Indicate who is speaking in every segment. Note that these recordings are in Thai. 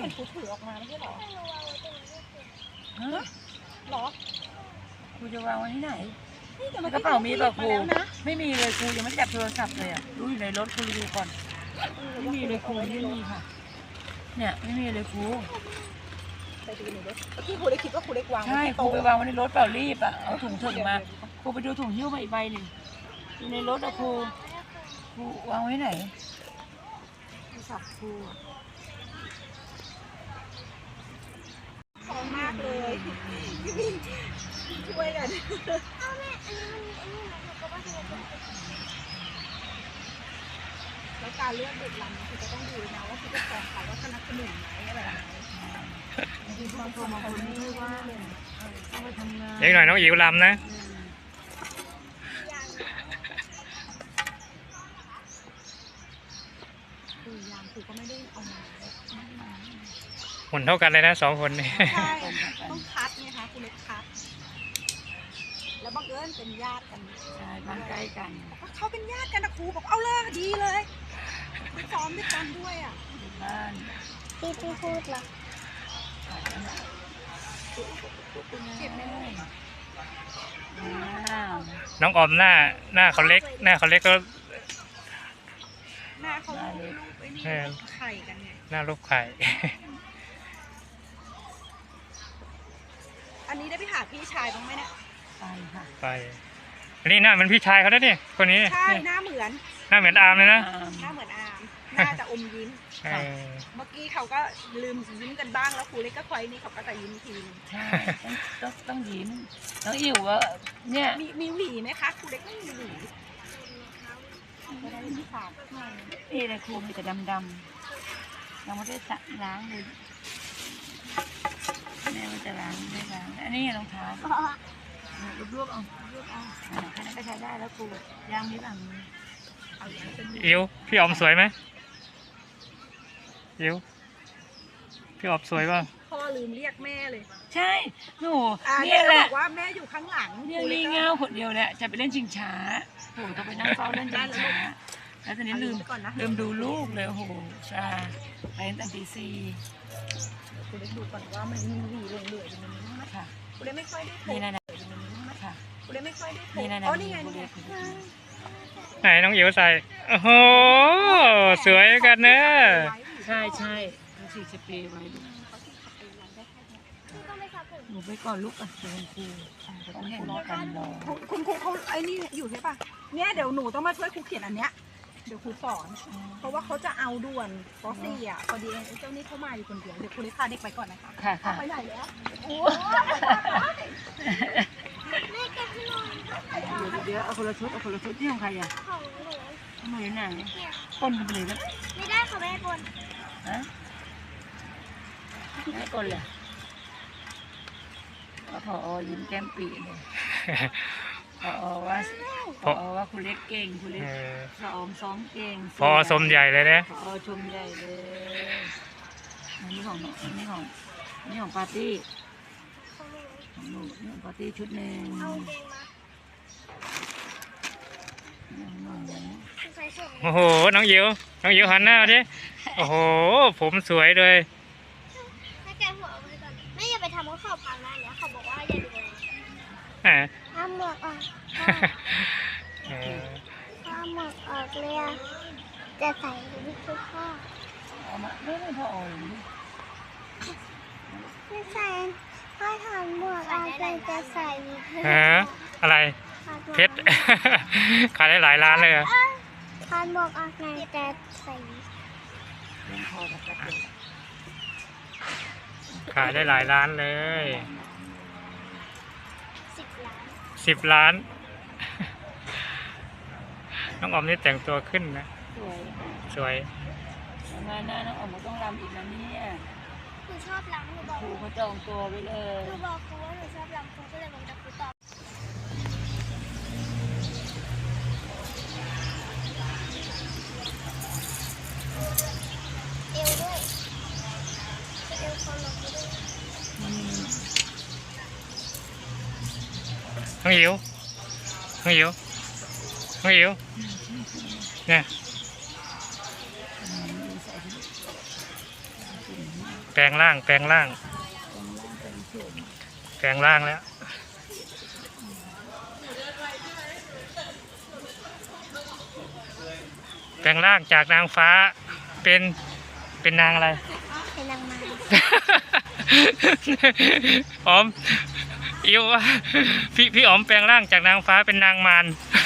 Speaker 1: มันครูถือออกมาไม่ใช่หรอหรอ
Speaker 2: ครูจะวางไว้ที่ไหนกระเป๋ามีเปล่าครูไม่มีเลยครูยังไม่ได้จับโทรศัพท์เลยอ่ะรู้อยู่ในรถครูดูก่อนไม่มีเลยครูไม่มีค่ะเนี่ยไม่มีเลยครู
Speaker 1: ไปดูหน่อยด้วยที่ครูได้คิดว่าครูได้วาง
Speaker 2: ใช่ครูไปวางไว้ในรถเปล่ารีบอ่ะเอาถุงถึงมาครูไปดูถุงหิ้วมาอีกใบหนึ่งอยู่ในรถอะครูวางไว้ไหนโทรศัพท์ครู
Speaker 1: ขอบมากเลยช่วยกันแล้วการเลือกเด็กลำคือจะต้องดูนะว่าผู้ปกครองเขาว่าสนับสนุนไหมอะไรไหมที่บางคนไม่ว่าเอาไปทำงาน
Speaker 3: เด็กหน่อยน้องอิ๋วลำนะ
Speaker 1: คือก็ไม่ได้เอามา
Speaker 3: หุ่นเท่ากันเลยนะ2 คนนี่
Speaker 1: ใช่ต้องคัดไงคะคุณเล็กคัดแล้วบังเอิญเป็นญาติกัน
Speaker 2: ใช่บ้านใกล้กัน
Speaker 1: เขาเป็นญาติกันนะครูบอกเอาเลยดีเลยซ้อมด้วยกันด้วยอ่ะ
Speaker 2: บ้าน
Speaker 1: ที่พูดล่ะเก็บไม่ได้
Speaker 3: น้องออมหน้าเขาเล็กก็
Speaker 1: หน้าเขาลูกไอ้นี่ไข่กันไง
Speaker 3: หน้าลูกไข่
Speaker 1: อันนี้ได้ไปหาพี่ชายบ้างไหมเนี่ย
Speaker 2: ไปค่ะ
Speaker 3: ไปอันนี้หน้าเหมือนพี่ชายเขาได้เนี่ยคนนี้
Speaker 1: ใช่หน้าเหมือน
Speaker 3: อาร์มเลยนะ
Speaker 1: หน้าเหมือนอาร์มหน้าจะอมยิ้มเมื่อกี้เขาก็ลืมยิ้มกันบ้างแล้วครูเล็กก็คอยนี่เขาก็จะยิ้มที
Speaker 2: ใช่ต้องยิ้มน้องอิ๋วว่าเนี่ย
Speaker 1: มีหวีไหมคะครูเล็กไม่มีหวี
Speaker 2: นี่เลยครูมีแต่ดำยังไม่ได้ล้างเลยแม่ว่าจะล้างไม่ล้างอันนี้รองเท้ารวบเอาแค่นั้นก็ใช้ได้แล้วครูย่างนิดหน่อย
Speaker 3: อิ๋วพี่ออมสวยไหมอิ๋วพี่ออมสวยป่ะ
Speaker 1: พ่อลืมเรียกแม่เลย
Speaker 2: ใช่หนู
Speaker 1: เนี่ยแหละบอกว่าแม่อยู่ข้างหลัง
Speaker 2: เนี่ยลีเงาคนเดียวแหละจะไปเล่นชิงช้าโหต้องไปนั่งเฝ้าเล่นชิงช้าแล้วตอนนี้ลืมดูลูกเลยโหใช่ไปตั้งแต่ตี 4
Speaker 1: คุณเล็กดูก่อนว่ามันมีหวีเหลืออยู่ในนี้ไหม
Speaker 2: ค่ะ
Speaker 1: คุณเล็กไม่ค่อยได้
Speaker 2: นี่นะ
Speaker 1: ค่ะคุณเล็กไม่ค่อยได้นี่ไง
Speaker 3: ไหนน้องอิ๋วใส่โอ้โหสวยกันเนอะ
Speaker 2: ใช่เขาฉีดสเปรย์ไว้ลูกหนูไปก่อนลูกอ่ะคุณครูต้องเห็นกันรอ
Speaker 1: คุณครูเขาไอ้นี่อยู่ใช่ป่ะเนี่ยเดี๋ยวหนูต้องมาช่วยครูเขียนอันเนี้ยเดี๋ยวครูสอนเพราะว่าเขาจะเอาด่วนป .4 อ่ะพอดีเจ้านี่เข้ามาอยู่คนเดียวเดี๋ยวครูเล็กพาเด็กไปก่อนนะคะ
Speaker 2: ค่ะ
Speaker 1: ไปไหนแล้ว
Speaker 2: เดี๋ยวเอาคนละชุดที่ของใครอ่ะของหนูไหนปนกันไปเลยนะ
Speaker 1: ไม่ได้ค่ะแม่ปน
Speaker 2: ไม่ปนเลยพอยิ้มแก้มปีเลยพอว่าคุณเล็กเก่งคุณเล็กซ้อมเก่ง
Speaker 3: พอสมใหญ่เลยนะ
Speaker 2: พอชมใหญ่เลยนี่ของปาร์ตี้ของหนูนี่ของปาร์ตี้ชุดหนึ่ง
Speaker 3: โอ้โหน้องอิ๋วหันหน้าดิโอ้โหผมสวยเลย
Speaker 4: ให้แกหัวไปก่อนไม่อย่าไปทำเขาพังนะเนี่ยเขาบอกว่าอย่าดูเลยทำหมวกออกเลยจะใส่ไม่ใช่พ่อ
Speaker 2: ไม่พอ
Speaker 4: ไม่ใส่พ่อถอดหมวกออกเลยจะใส่
Speaker 3: อะไรเพชรขายได้หลายล้านเลยอะ
Speaker 4: ถอดหมวกออกเลยจะใส่
Speaker 3: ขายได้หลายล้านเลย10 ล้านน้องออมนี่แต่งตัวขึ้นนะสวย
Speaker 2: งานน้องออมต้องรำอีกนะเนี่ย
Speaker 4: หนูชอบรำหนูบอก
Speaker 2: ครูเขาจองตัวไว้เลย
Speaker 4: หนูบอกครูว่าหนูชอบรำครูก็เลยบอกจะครูตอบเอวด้วยเอวคนลงด้วย
Speaker 3: น้องอิ๋ว
Speaker 2: เ
Speaker 3: แปลงร่างแปลงร่าง
Speaker 2: เป็นเฉย
Speaker 3: แปลงร่างแล้วแปลงร่างจากนางฟ้าเป็นนางอะไร
Speaker 4: เป็นนางไม้
Speaker 3: อ๋อมอิวว่าพี่อ๋อมแปลงร่างจากนางฟ้าเป็นนางมาร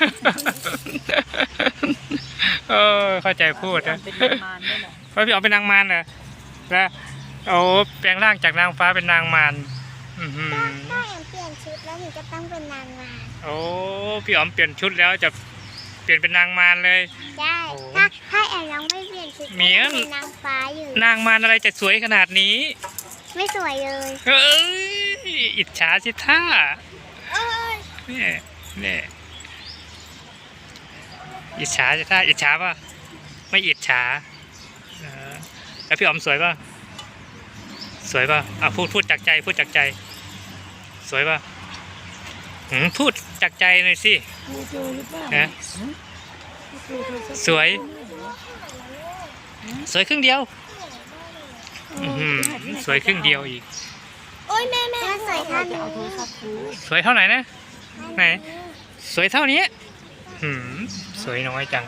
Speaker 3: เข้าใจพูดนะ
Speaker 2: เป็นนางมารด้วยเหรอ
Speaker 3: เพราะพี่อ๋อมเป็นนางมารเหรอแล้วโอ้แปลงร่างจากนางฟ้าเป็นนางมารอื้อหือ
Speaker 4: ถ้าแอมเปลี่ยนชุดแล้วหนูก็ต้องเป็นนางไม้
Speaker 3: โอ้พี่อ๋อมเปลี่ยนชุดแล้วจะเปลี่ยนเป็นนางมารเลย
Speaker 4: ใช่
Speaker 3: โอ้
Speaker 4: ถ้าแอมยังไม่เปลี่ยนชุด
Speaker 3: เหมียน
Speaker 4: เป็นนางฟ้าอยู่
Speaker 3: นางมารอะไรจะสวยขนาดนี้
Speaker 4: ไม่สวยเลย
Speaker 3: เอ้ยอิจฉาสิท่า
Speaker 4: เอ้ย
Speaker 3: เนี่ยอิจฉาสิท่าอิจฉาป่ะไม่อิจฉาเออแล้วพี่อ๋อมสวยป่ะสวยป่ะอ่ะพูดจากใจพูดจากใจ สวยป่ะพูดจากใจหน่อยสิ
Speaker 2: ดูโจหรือเปล่า
Speaker 3: ฮะ
Speaker 2: ดูโจสัก
Speaker 3: สวย สวยครึ่งเดียวอื้อหือสวยครึ่งเดียวอีก
Speaker 4: โอ้ยแม่สวยท่าน
Speaker 2: จะ
Speaker 4: นี้
Speaker 2: เอาโทรศัพท์ดู
Speaker 3: สวยเท่าไหร่นะไหนสวยเท่านี้สวยน้อยจัง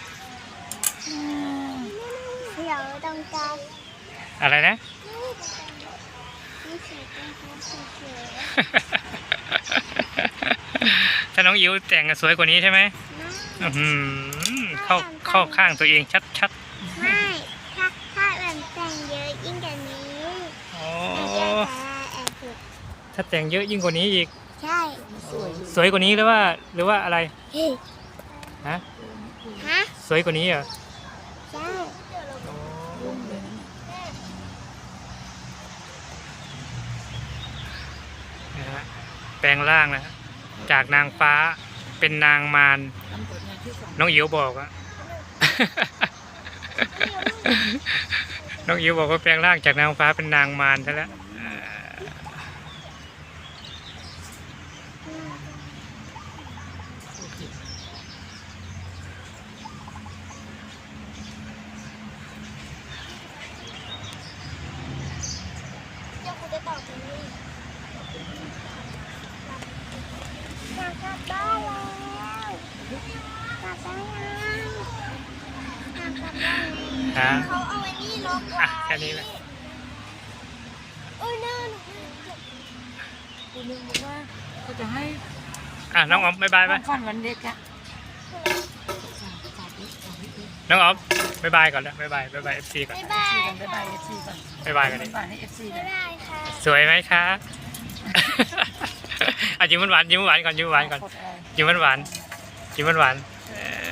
Speaker 4: เดี๋ยวตรงกลาง
Speaker 3: อะไรนะ
Speaker 4: นี่สวยตรงกลางสวย
Speaker 3: ถ้าน้องอิ๋วแต่งสวยกว่านี้ใช่ไหม
Speaker 4: ๆ
Speaker 3: อื้อหือเข้าข้างตัวเองชัด
Speaker 4: ไม่ถ้าแบบแต่งเยอะยิ่งกว่านี้
Speaker 3: ๆโอ้
Speaker 4: หนูจะแอบสุด
Speaker 3: ถ้าแต่งเยอะยิ่งกว่านี้อีก
Speaker 4: ใช่
Speaker 2: สวย
Speaker 3: สวยกว่านี้หรือว่าอะไร
Speaker 4: เฮ้ย
Speaker 3: ฮะ
Speaker 4: ฮะ
Speaker 3: สวยกว่านี้เหรอ
Speaker 4: ใช่
Speaker 2: ลุงเลยนะ
Speaker 3: นะฮะแปลงร่างนะฮะจากนางฟ้าเป็นนางมาร
Speaker 2: ทำผลงานที่สอง
Speaker 3: น้องอิ๋วบอกอะ น้องอิ๋วบอกว่าแปลงร่างจากนางฟ้าเป็นนางมารซะแล้ว
Speaker 4: เดี๋ยวคุณจะตอบตรงนี้อยากกลับบ้านแล้วกลับบ้านยังอยากกลับบ้านแล้ว
Speaker 3: ฮะ
Speaker 4: เขาเอาไว้นี่ล็อกไว้
Speaker 3: อ่ะแค่นี้แหละ
Speaker 4: โอ้ยน่าหนู
Speaker 2: คุณลุงบอกว่าเขาจะให้
Speaker 3: อ่ะน้องอ๋อมบ๊ายบายไป
Speaker 2: ฟันวันเด็กอะ
Speaker 3: น้องอ๋อมบ๊ายบายก่อนแล้วบ๊ายบายเอฟซีก่อน
Speaker 4: บ๊ายบาย
Speaker 2: บ๊ายบายเอฟซีก่อน
Speaker 3: บ๊ายบายกันดิ
Speaker 2: บ๊ายบายให้เอฟซี
Speaker 4: บ๊ายบายค่ะ
Speaker 3: สวยไหมคะ อ่ะยิ้มหวานๆยิ้มหวานก่อนยิ้มหวานก่อน
Speaker 2: กดอะไร
Speaker 3: ยิ้มหวานๆยิ้มหวานๆ